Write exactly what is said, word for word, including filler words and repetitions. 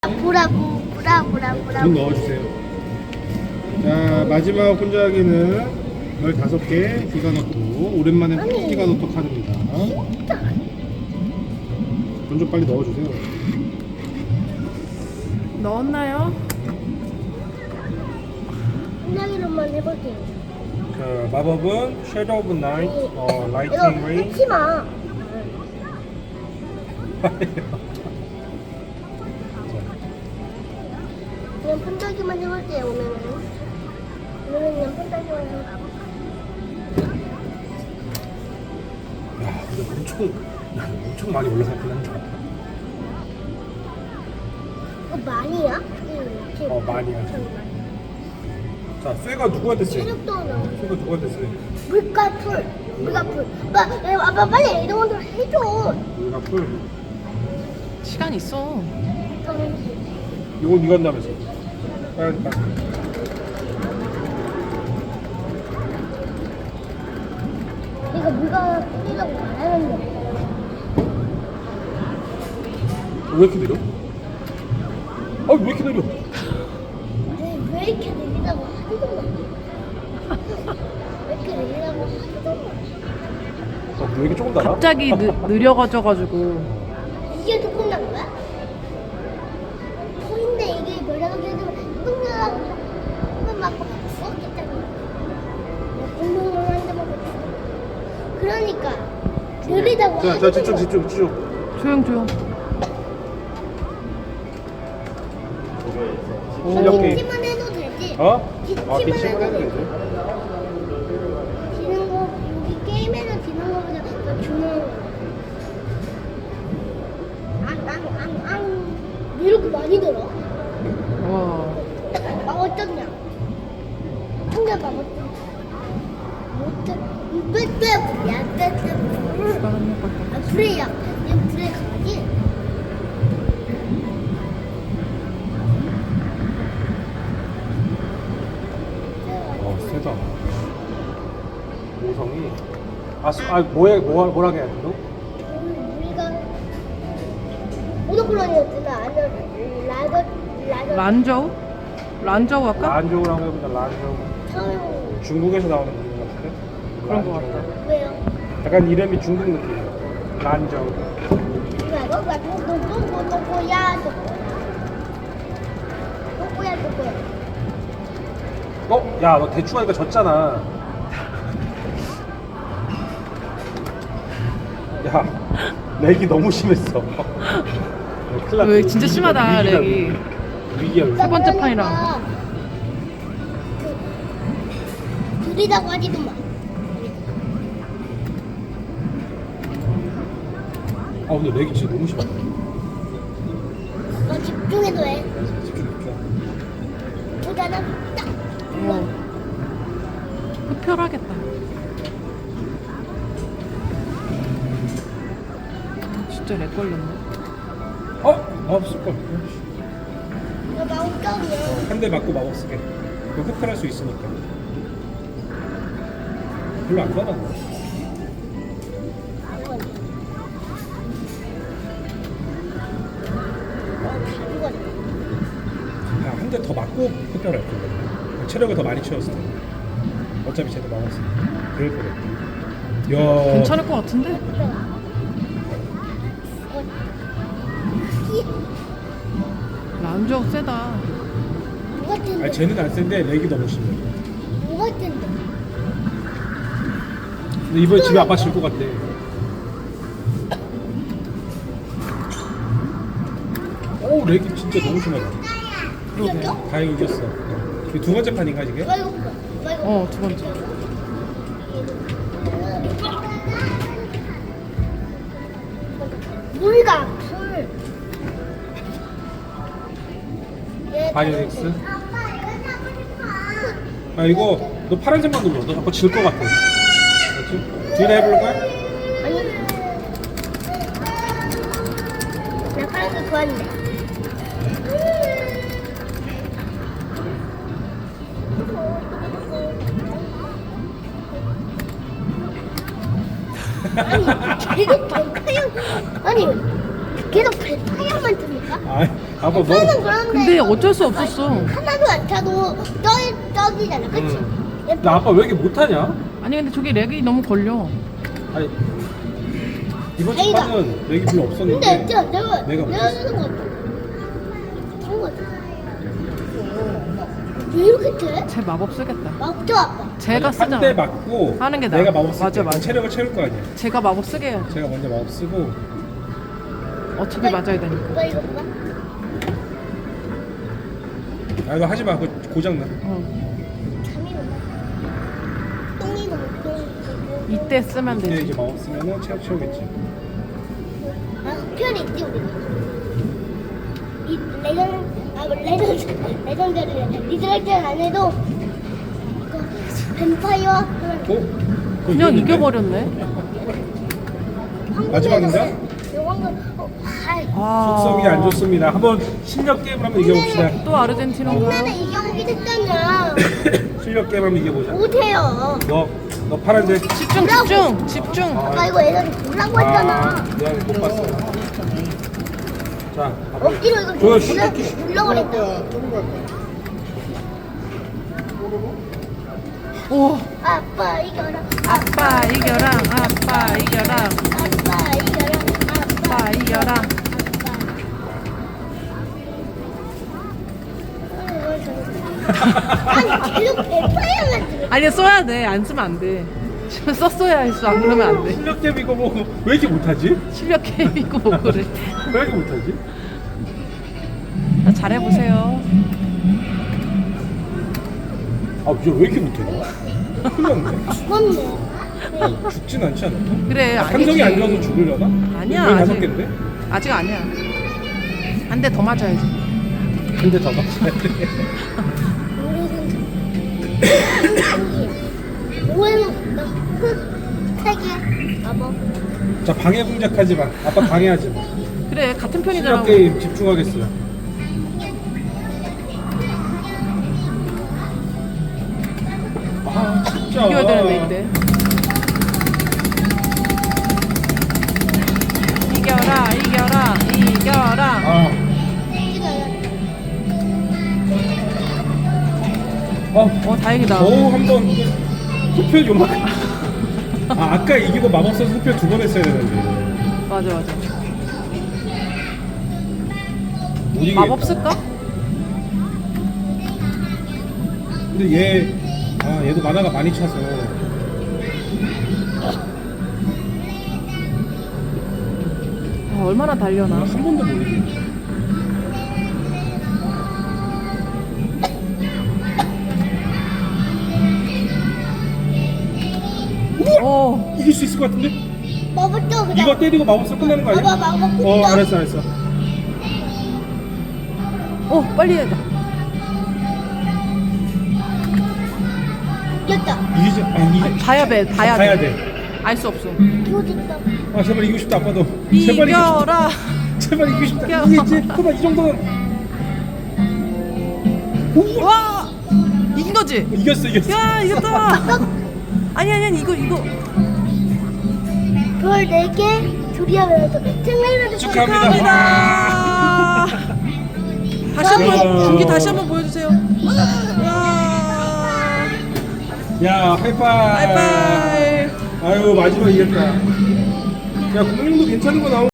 보라고 보라 보라 보라. 돈 넣어주세요. 자, 마지막 혼자하기는 열다섯 개 기가노토. 오랜만에 아니. 기가노토 카드입니다. 돈 좀 빨리 넣어주세요. 넣었나요? 혼자기로만 해볼게요. 자, 마법은 Shadow of Night, 어, 이거 Lightning Ray. 끊지 마. 그냥 판다기만 해볼게요 오늘은. 오늘은 그냥 판다기만 해볼게요. 야, 근데 엄청, 야, 엄청 많이 올라갔긴 한다. 이거 많이야? 응, 어, 많이야. 자, 쇠가 누구한테 쎄? 체력도 나. 쇠가 누구한테 쎄? 물과 풀. 물과 풀. 아빠, 에, 아빠 빨리 이런 것도 해줘. 우리가 풀. 시간 있어. 이건 이거 한다면서. 빨리, 빨리. 이거 물과 풀이라고 말하는데. 왜 이렇게 느려? 아, 왜 이렇게 느려? 왜, 왜 이렇게 느리다고 하지도 마. 왜 이렇게 느리다고 하지도 마. 어, 왜 이렇게 조금 달아? 갑자기 느, 느려가져가지고. 이게 조금 난 거야? 소인데 이게 뭐라고 해주면 뚱뚱하고 한번 맞고 썩겠다고. 운동을 한대 먹고. 그러니까 느리다고 자, 자, 집중, 집중, 집중. 조용 조용. 실력 게임. 기침만 해도 되지? 어? 기침만 아, 기침만 해도 해도 되지? 되지. 지는 거 여기 게임에서 지는 거보다 더 중요한 거. 앙앙앙앙 왜 이렇게 많이 들어? 와. 아 어쩌냐? 한개 봐봐. 못해. 빼빼야 빼빼. 시간 한번 걸려. 아 불에야. 얘 불에 가지. 어, 세다. 오성이. 아, 수- 아 뭐야, 뭐, 뭐라 해야 돼, 너? 우리가 오도콜론이었잖아. 아니면 라더 라더. 란저우? 란저우 할까? 란저우라고 해보자, 란저우. 처음 중국에서 나오는 이름 같은데? 그런 거 란저우. 같다. 왜요? 약간 이름이 중국 느낌이야. 란저우. 이거 가 누구 누구야 누구? 누구야 누구야? 어? 야, 너 대충 하니까 졌잖아. 야, 렉이 너무 심했어. 어, 큰일 났다. 왜 진짜 위기다, 심하다 위기다, 렉이. 위기야, 위기. 세 번째 판이라. 그, 느리다고 하지도 마. 아, 근데 렉이 진짜 너무 심하다. 너 집중해도 해. 집중, 집중. 보다나 딱. 어. 흡혈하겠다. 진짜 렉 걸렸네. 어? 마법 쓸걸. 너 마음껏이야. 한 대 맞고 마법 쓰게. 그거 흡혈할 수 있으니까. 별로 안 받았네. 야, 한 대 더 맞고 흡혈할 거야. 체력을 더 많이 채웠을 텐데. 어차피 쟤도 막았어. 그럴 거래. 야. 괜찮을 것 같은데? 란저우 세다. 뭐가 텐데? 아니, 쟤는 안 센데 렉이 너무 심해. 뭐가 텐데? 근데 이번에 집에 아빠 질 것 같아. 오, 렉이 진짜 너무 심하다. 이겼어? 다 이겼어. 이게 두 번째 판인가 이게? 나 이거 봐. 나 이거 어, 두 번째. 물과 풀. 얘 바이오닉스. 아, 이거 너 파란색만 눌러. 너 자꾸 질 것 같아. 알지? 뒤에 해볼 거야? 아니. 나 파란색 좋아하는데. 아니 계속 백화영 아니 계속 백화영만 듭니까? 아, 아빠 너 차는 그런데 근데 어쩔 수 없었어. 하나도 안 차도 떠 떠지잖아, 그렇지? 근데 아빠 왜 이렇게 못하냐? 아니 근데 저기 렉이 너무 걸려. 아니 이번 아이가. 주까지는 렉이 별로 근데 없었는데 진짜 내가 내가 내가 못했어. 쓰는 거 같아. 그런 거 같아. 왜 이렇게 돼? 제 마법 쓰겠다. 막죠 아빠. 제가 쓰잖아. 한대 맞고 하는 게 나아. 내가 마법 쓸 맞아, 때 맞아. 체력을 채울 거 아니야. 제가 마법 쓰게 해야지. 제가 먼저 마법 쓰고 어차피 맞아야 되니까. 오빠 이거 봐. 아 이거 하지 마. 그거 고장 나. 어. 잠이 온다. 똥이도 못 똥이고. 이때 쓰면 이때 되지. 이제 마법 쓰면은 체력 채우겠지. 아, 흡혈이 있지 우리. 이 레전 아 레전 레전드를 리드랄전 안 해도 그 뱀파이어 어? 그거 그냥 이겼는데? 이겨버렸네. 마지막인가? 요건 어, 아이. 아. 속성이 안 좋습니다. 한번 실력 게임을 한번 이겨봅시다. 또 아르헨티나인가요? 옛날에 이경기 됐잖아. 실력 게임 한번 이겨보자. 못해요. 너, 너 파란색. 집중 집중 집중. 아까 이거 애들이 보라고 했잖아. 미안해, 못 봤어. 자, 아빠. 억지로 이거 그거 눌러 눌러버렸다. 오. 아빠 이겨라. 아빠 이겨라. 아빠 이겨라. 아빠 이겨라. 아빠 이겨라. 아니 계속 뱀파이어만 들어. 아니 써야 돼. 안 쓰면 안 돼. 지금 썼어야 했어. 안 그러면 안 돼. 실력 게임 이거 뭐 왜 이렇게 못하지? 실력 게임이고 뭐 그래. 왜 이렇게 못하지? 자, 잘해보세요. 아, 이거 왜 이렇게 못해? 큰일 났네. 죽었네. 아, 죽진 않지 않을까? 그래 아, 아니지. 함성이 안 좋아서 죽으려나? 아니야, 이거 다섯 아직. 개인데? 아직 아니야. 한 대 더 맞아야지. 한 대 더 맞춰야 돼. 오해는 흑색이야. 아버. 자, 방해 공작하지 마. 아빠 방해하지 마. 그래 같은 편이잖아. 실력 게임 집중하겠어요. 아, 진짜. 이겨야 되는데 이때. 이겨라 이겨라 이겨라. 아, 어, 어 다행이다. 겨우 한번 흡혈 요만. 아, 아까 이기고 마법 써서 흡혈 두 번 했어야 되는데. 맞아 맞아. 못 이기겠다. 마법 쓸까? 근데 얘, 아, 얘도 만화가 많이 차서. 아, 얼마나 달려나. 한 번도 못 이기겠다. 오. 이길 수 있을 것 같은데? 먹었죠 그냥. 이거 때리고 마법 써 끝나는 거 아니야? 아빠 마법 어, 붙여. 알았어, 알았어. 오 빨리 해야 돼. 이겼다. 이기지, 아, 이기지. 봐야 돼 봐야 봐야 돼. 돼. 알 수 없어. 이겼다. 아, 제발 이기고 싶다, 아빠도. 제발 이기고 싶다. 이겨라. 제발 이기고 싶다. 이겨. 이기지. 그만, 이 정도는. 오! 와 이긴 거지? 이겼어, 이겼어. 야 이겼다. 아니 아니 아니 이거 이거 별 네 개, 둘이 하면서 생일을 축하합니다. 축하합니다. 다시 한번 야. 중기 다시 한번 보여주세요. 야. 야, 하이파이. 바이바이. 아유, 마지막 이겼다. 야, 공룡도 괜찮은 거 나오